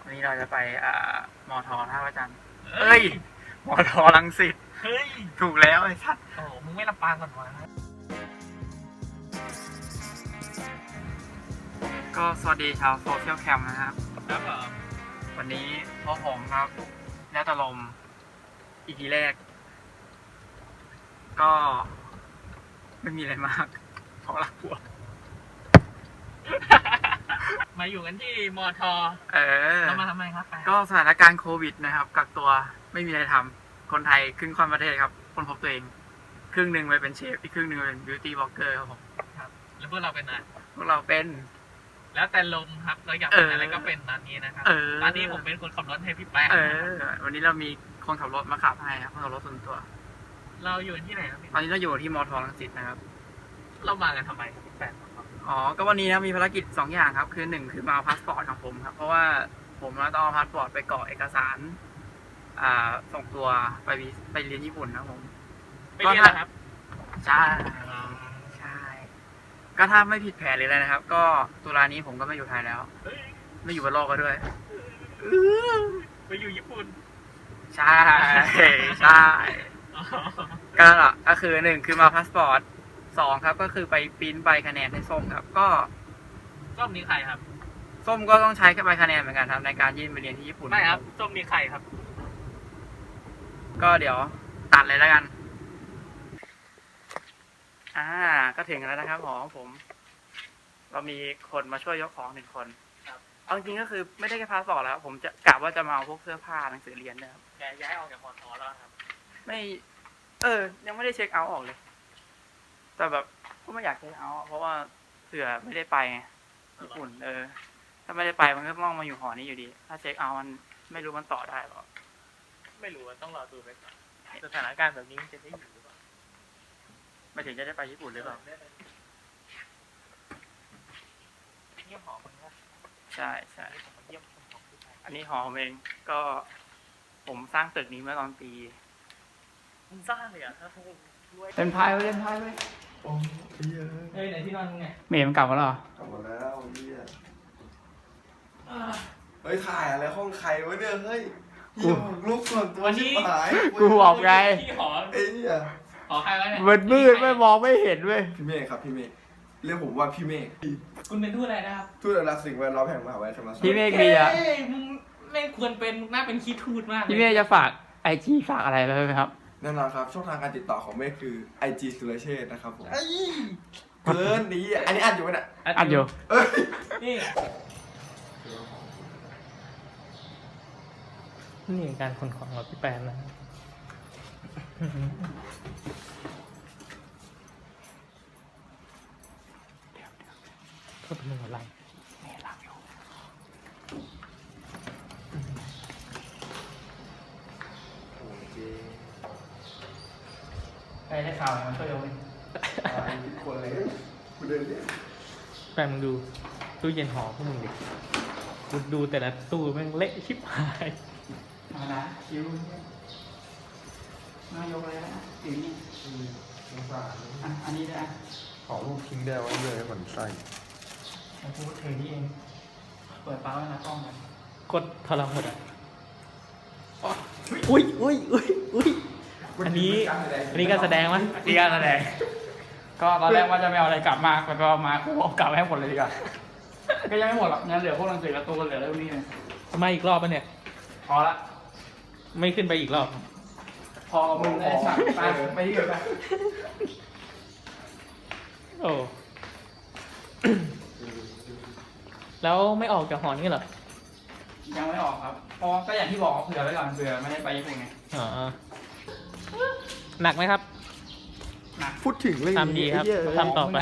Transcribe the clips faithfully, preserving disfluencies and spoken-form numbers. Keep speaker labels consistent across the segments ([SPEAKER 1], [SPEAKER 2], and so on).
[SPEAKER 1] วันนี้เราจะไปอ่ามอทอท่าพระจันทร์เอ้ยมอทอรังสิต
[SPEAKER 2] เฮ้ย
[SPEAKER 1] ถูกแล้วไอ้สัตว์
[SPEAKER 2] โอ้มึงไม่ลำปางก่อนวะ
[SPEAKER 1] ก็สวัสดีชาวโซเชียลแคมนะครับ
[SPEAKER 2] ครับผม
[SPEAKER 1] วันนี้พ่อผมครับแล้วตะลมอีพีแรก ก็ไม่มีอะไรมากเพราะรักผัว
[SPEAKER 2] มาอยู่กันที่มอทอ
[SPEAKER 1] เออ
[SPEAKER 2] เรามาทำไมครับ
[SPEAKER 1] ก็สถานการณ์โควิดนะครับกักตัวไม่มีอะไรทำคนไทยครึ่งค่อนประเทศครับคนพบตัวเองครึ่งหนึ่งไปเป็นเชฟอีกครึ่งหนึ่งเป็นบิวตี้บล็อกเกอร์ครับผม
[SPEAKER 2] ครับแล้วพวกเราเป็นอะไร
[SPEAKER 1] พวกเราเป็น
[SPEAKER 2] แล้วแต่ลมครับเราอยากเป็นอะไรก็เป็นตอนนี้นะครับตอนนี้ผมเป็นคนขับรถให้พี่แป๊ะ
[SPEAKER 1] เออวันนี้เรามีคนขับรถมาขับให้ครับคนขับรถส่วนตัว
[SPEAKER 2] เราอยู่ที่ไหนครับ
[SPEAKER 1] ตอนนี้เราอยู่ที่มอทอรังสิตนะครับ
[SPEAKER 2] เรามากันทำไมพี่แป๊ะ
[SPEAKER 1] อ๋อก็วันนี้นะมีภารกิจสองอย่างครับคือหนึ่งคือมาเอาพาสปอร์ตของผมครับเพราะว่าผมต้องเอาพาสปอร์ตไปกรอกเอกสารอ่าส่งตัวไปไปเรียนญี่ปุ่นนะผม
[SPEAKER 2] ไปเรียนเหรอครับ
[SPEAKER 1] ใช่ใช่ก็ถ้าไม่ผิดแผนเลยอะไรนะครับก็ตุลานี้ผมก็ไม่อยู่ไทยแล้วไม่อยู่บนโลกก็ด้วย
[SPEAKER 2] ไปอยู่ญี่ปุ่น
[SPEAKER 1] ใช่ใช่ก็ก็คือหนึ่งคือมาพาสปอร์ตสองครับก็คือไปปริ้นใบคะแนนให้ส้มครับก็
[SPEAKER 2] ส้มนี่ใครครับ
[SPEAKER 1] ส้มก็ต้องใช้ใบคะแนนเหมือนกันครับในการยื่นไปเรียนที่ญี่ปุ่น
[SPEAKER 2] ไม่ครับส้มนี่ใครครับ
[SPEAKER 1] ก็เดี๋ยวตัดเลยแล้วกันอ่าก็ถึงแล้วนะครับหอของผมเรามีคนมาช่วยยกของหนึ่งคน
[SPEAKER 2] ครับ
[SPEAKER 1] เอาจริงก็คือไม่ได้แค่พาสปอร์ตแล้วผมจะกะว่าจะมาเอาพวกเสื้อผ้าหนังสือเรียนนะครับ
[SPEAKER 2] แกย้ายออกจากมอทอแล้วครับ
[SPEAKER 1] ไม่เออยังไม่ได้เช็คเอาท์ออกเลยแต่แบบก็ไม่อยากเช็คเอาท์เพราะว่าเสือไม่ได้ไปญี่ปุ่นเออถ้าไม่ได้ไปมันก็ต้องมาอยู่หอนี้อยู่ดีถ้าเช็คเอาท์มันไม่รู้มันต่อได้หรอ
[SPEAKER 2] ไม่รู้ต้องรอดูไปก่อนสถานการณ์แบบนี้มันจะได้อยู่หรือเปล่า
[SPEAKER 1] ไม่ถึงจะได้ไปญี่ปุ่นหรือเปล่า
[SPEAKER 2] เยี่ยมหอมันครับ
[SPEAKER 1] ใช่ใช่
[SPEAKER 2] เยี่ยมของผู้ชาย
[SPEAKER 1] อันนี้หอผมเองก็ผมสร้างตึกนี้เมื่อตอนปี
[SPEAKER 2] มึงสร้างเลยอ่ะถ้าพูด
[SPEAKER 1] เล่นพายไว้เล่นพายไว้
[SPEAKER 3] โอ้ย
[SPEAKER 2] เฮ้ยไหนที่นอนมึงไง
[SPEAKER 1] เมย์มันกลับมาแล้ว
[SPEAKER 3] กลับมาแล้วเฮียเฮ้ยถ่ายอะไรห้องใครวะเนี่ยเฮ้ยกูลุกส่วนตัวชิบหาย
[SPEAKER 1] กูบอกไง
[SPEAKER 2] ที่หอ
[SPEAKER 3] ไอ้เนี่ย
[SPEAKER 2] หอใครวะเนี่ย
[SPEAKER 1] มันมืดไม่มองไม่เห็นเว้ย
[SPEAKER 3] พี่เมฆครับพี่เมฆเรียกผมว่าพี่เมฆ
[SPEAKER 2] คุณเป็นทูตอะไรนะครับ
[SPEAKER 3] ทูตอนุรักษ์สิ่งแวดล้อมแห่งมหาวิทยาลัยธรรมศาสตร์
[SPEAKER 1] พี่เมฆมีอ่ะ
[SPEAKER 2] มึงไม่ควรเป็นน่าเป็นขี้ทูตมาก
[SPEAKER 1] พี่เมฆจะฝากไอจีฝากอะไรไปไหมครับ
[SPEAKER 3] แน่นอนครับช่องทางการติดต่อของเมฆคือ ไอ จี สุรเชษฐ์นะครับผมเกินนี้อันนี้อัดอยู่ไหมเนี่ย
[SPEAKER 1] อัดอยู่
[SPEAKER 3] เอ้ย
[SPEAKER 2] นี่นี่การขนของของพี่แปนนะก็เป็นเรื่องอะไร
[SPEAKER 1] แม่หลับอยู่ใครได้ข่าวมันช่วยเอาไป
[SPEAKER 3] คนเลยกูเดินเนี่ย
[SPEAKER 2] แปนมึงดูตู้เย็นหอพวกมึงดิกูดูแต่ละตู้แม่งเละชิบหาย
[SPEAKER 1] มาละคิวมายกเลยนะถึงนี่
[SPEAKER 3] สงสาร
[SPEAKER 1] อันนี้ได้
[SPEAKER 3] ขอรูปทิ้งได้ไว้เลยเหมือนไส้
[SPEAKER 1] แล้วกูเทนี่เองเปิดฟ้าไว้นะกล้องกัน
[SPEAKER 2] กดทรหดอ่ะอุ้ยอุ้ยอุ้ยอุ้ยอันนี้อันนี้การแสดงมั้ย
[SPEAKER 1] นี่การแสดงก็ตอนแรกว่าจะไม่เอาอะไรกลับมาไปไปมากูเอากลับให้หมดเลยดีกว่าก็ยังไม่หมดหรอกงั้นเหลือพวกหนังสือการ์ตูนเหลือเรื่องนี้เลย
[SPEAKER 2] มาอีกรอบป่ะเนี่ย
[SPEAKER 1] พอละ
[SPEAKER 2] ไม่ขึ้นไปอีกรอบ
[SPEAKER 1] พอมึงไอ้สัตว์ไปไปที่อื่นไป
[SPEAKER 2] โอ้แล้วไม่ออกจากหอนี่เหรอ
[SPEAKER 1] ยังไม่ออกครับเพราะก็อย่างที่บอกเผื่อไว้ก่อนเผื่อไม่ได้ไปญี่ปุ่นไง
[SPEAKER 2] อ๋อหนักไหมครับ
[SPEAKER 1] หนัก
[SPEAKER 3] พูดถึงเลย
[SPEAKER 2] ทำดีครับทำต่อไป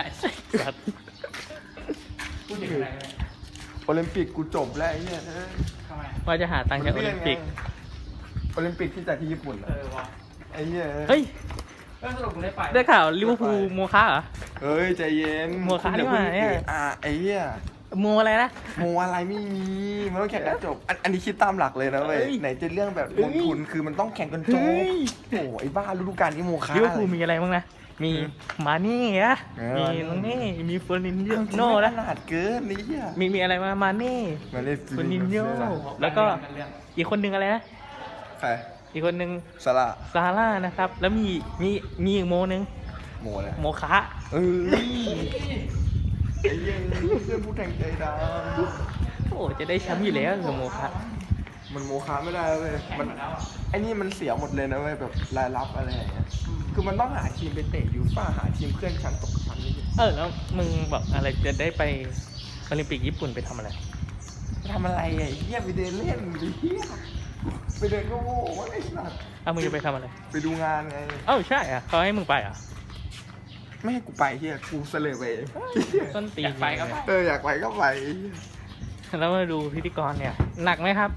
[SPEAKER 1] พูดถึงอะไร
[SPEAKER 3] โอลิมปิกกูจบแล้วไอ้เนี่ย
[SPEAKER 1] ทำไม
[SPEAKER 2] ว่าจะหาตังค์จากโอลิมปิก
[SPEAKER 3] โอลิมปิกที่จัดที่ญี่ปุ่นเออวะไอ้เนี่ย
[SPEAKER 2] เฮ้ย
[SPEAKER 1] ก็สรุปมึงได้ไป
[SPEAKER 2] ได้ข่าวลิเวอร์พูลโมฆะเหรอ
[SPEAKER 3] เฮ้ยใจเย็น
[SPEAKER 2] โมฆะนี่มาเนี่ย
[SPEAKER 3] อ่าไอ้เนี่ย
[SPEAKER 2] โมอะไรนะ
[SPEAKER 3] โมอะไรไม่มีมันต้องแข่งกันจบอันอันนี้คิดตามหลักเลยนะเว้ย
[SPEAKER 2] เฮ้ย
[SPEAKER 3] ไหนจะเรื่องแบบ
[SPEAKER 2] เฮ้
[SPEAKER 3] ล
[SPEAKER 2] ย
[SPEAKER 3] งทุนคือมันต้องแข่งกันจบ
[SPEAKER 2] เฮ้ย
[SPEAKER 3] โอ้ไอ้บ้าฤดูกาลนี้โมฆะ
[SPEAKER 2] ลิเวอร์พูล
[SPEAKER 3] อะไร
[SPEAKER 2] มีอะไรบ้างนะ มี
[SPEAKER 3] อืม
[SPEAKER 2] มานี่อะ
[SPEAKER 3] เออ
[SPEAKER 2] มีน้องนี่มีเฟอร์นินโน่
[SPEAKER 3] โน่
[SPEAKER 2] นะ
[SPEAKER 3] ขนาดเกินนี่อ่ะ
[SPEAKER 2] มีมีอะไรมามาเน่
[SPEAKER 3] มาเล่น
[SPEAKER 2] เฟอร์นินโญ่แล้วก็อีกคนนึงอะไรนะ
[SPEAKER 3] ใคร
[SPEAKER 2] อีกคนนึง
[SPEAKER 3] สละ
[SPEAKER 2] ซาร่านะครับ แล้วมีมีมีอีกโมนึง
[SPEAKER 3] โมเลย
[SPEAKER 2] โมคะ
[SPEAKER 3] เออไอ้เหี้ยเพื่อนผู้แข่งใจด
[SPEAKER 2] โอ้จะได้แชมป์อยู่แล้วกับโมคะ
[SPEAKER 3] ำมันโมฆะไม่ได้เว้ยมันไอ้นี่มันเสียหมดเลยนะเว้ยแบบรายรับอะไรอย่างเงี้ยคือมันต้องหาทีมไปเตะยูฟ่าหาทีมเพื่อนชั้นตกชั้นนี่
[SPEAKER 2] เออแล้วมึงบอกอะไรจะได้ไปโอลิมปิกญี่ปุ่นไปทำอะไร
[SPEAKER 3] ทำอะไรอ่ะไอ้เหี้ยไปเดินเล่นดิเหี้ยไปเดินก็โง่ว่าไอ้สัส
[SPEAKER 2] อ้าวมึงจะไปทำอะไร
[SPEAKER 3] ไปดูงานไง
[SPEAKER 2] เอ้าใช่อ่ะเขาให้มึงไปอ่ะ
[SPEAKER 3] ไม่ให้กูไปเฮียกูเสลอไปเอง
[SPEAKER 2] ต้นตีนไปครับ
[SPEAKER 3] เอออยากไปก็ไป
[SPEAKER 2] แล้วมาดูพิธีกรเนี่ย หนักไหมครับ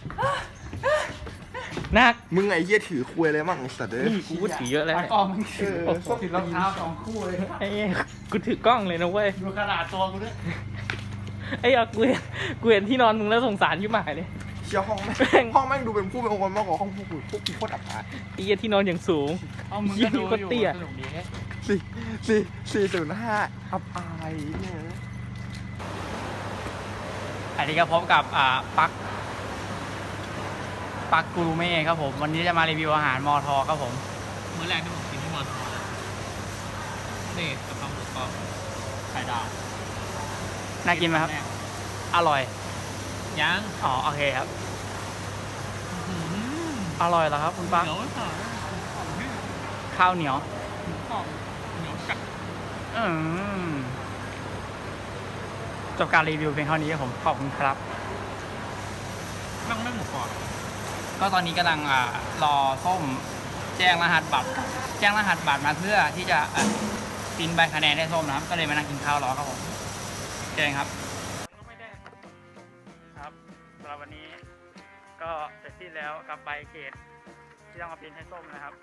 [SPEAKER 2] หนัก
[SPEAKER 3] มึงไอ้เหี้ยถือคุยอะไรมั่งไอ้สัตว์เอ้ย
[SPEAKER 2] นี่กูก็ถือเยอะแล้ว
[SPEAKER 1] ตา
[SPEAKER 2] เนี่ย
[SPEAKER 1] กล้องมึง
[SPEAKER 3] เอ
[SPEAKER 1] ถือ
[SPEAKER 3] อ
[SPEAKER 1] ถือรองเท้าสองคู่เลย
[SPEAKER 2] ไอ้เหี้ยกูถือกล้องเลยนะเว้ย
[SPEAKER 1] ดูขนาดตัวกูด้วย
[SPEAKER 2] ไอ้เอากูเห็นกูเห็นที่นอนมึงแล้วสงสารยิ่งหมายเลย
[SPEAKER 3] เชี่ยห้องแม่
[SPEAKER 2] แม่ง
[SPEAKER 3] งห้องแม่งดูเป็นผู้เป็นองค์กรมากกว่าห้องพวกกูพวกกูโคตรอับอาย
[SPEAKER 2] ไอ้เหี้ยที่นอนอย่างสูง
[SPEAKER 1] เอามึง
[SPEAKER 2] ยี่
[SPEAKER 1] ก็ดู
[SPEAKER 2] ก็
[SPEAKER 1] อยู่
[SPEAKER 2] เตี้ย
[SPEAKER 1] สนุกดี
[SPEAKER 3] สี่สี่สี่ศูนย์ห้าอับอายเนี่ย
[SPEAKER 1] อันนี้ก็พบกับอ่าปักปักกูรูเม่ครับผม วันนี้จะมารีวิวอาหารมอทอครับผม
[SPEAKER 2] มื้อแรกที่ผมกินที่มอทอนี่กะเพราหมูกรอบไข่ดาว
[SPEAKER 1] น่ากินไหมครับ อร่อย
[SPEAKER 2] ยัง
[SPEAKER 1] อ๋อโอเคครับ อร่อยแล้วครับคุณปัก
[SPEAKER 2] เหนียวค่ะ
[SPEAKER 1] ข้าวเหนียว
[SPEAKER 2] กรอบเหนียวกัด
[SPEAKER 1] อืมจบการรีวิวเพียงเท่านี้ครับผม ขอบคุณครับ
[SPEAKER 2] นั่งไม่หมูกรอบ
[SPEAKER 1] ก็ตอนนี้กำลังอ่ารอส้มแจ้งรหัสบัตร แจ้งรหัสบัตรมาเพื่อที่จะอ่ะพิมพ์ใบคะแนนให้ส้มนะครับ ก็เลยมานั่งกินข้าวรอครับผมเชิญครับ ครับสำหรับวันนี้ก็เสร็จสิ้นแล้วกับใบเกรดที่ต้องมาพิมพ์ให้ส้มนะครับ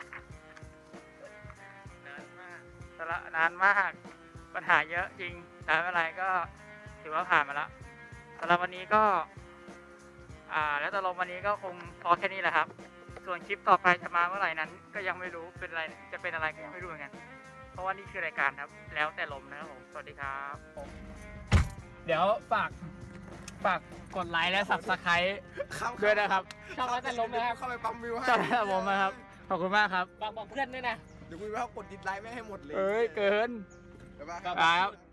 [SPEAKER 1] นานมากสละนานมากปัญหาเยอะจริงแต่ไม่เป็นไรก็ถือว่าผ่านมาแล้วสำหรับวันนี้ก็ อ่าแล้วตกลงวันนี้ก็คงพอแค่นี้แหละครับ ส่วนคลิปต่อไปจะมาเมื่อไหร่นั้น ก็ยังไม่รู้เป็นอะไรจะเป็นอะไรก็ยังไม่รู้เหมือนกันเพราะว่านี่คือรายการครับ แล้วแต่ลมนะครับผมสวัสดีครับผมเดี๋ยวฝากฝากกดไลค์และ ซับสไครต์ ด้วยนะครับชอบแล้วแต่ลมนะครับ
[SPEAKER 3] เข้าไปปั๊มวิวให้
[SPEAKER 1] ชอบแล้วแต่ลมนะครับขอบคุณมากครับ
[SPEAKER 2] บอกบอกเพื่อนด้วยนะ
[SPEAKER 3] เดี๋ยวกูไปเอากดดิสไลค์ไม่ให้หมดเลย
[SPEAKER 1] เอ้ยเกิน
[SPEAKER 3] เดี๋ยวมา
[SPEAKER 1] ครับ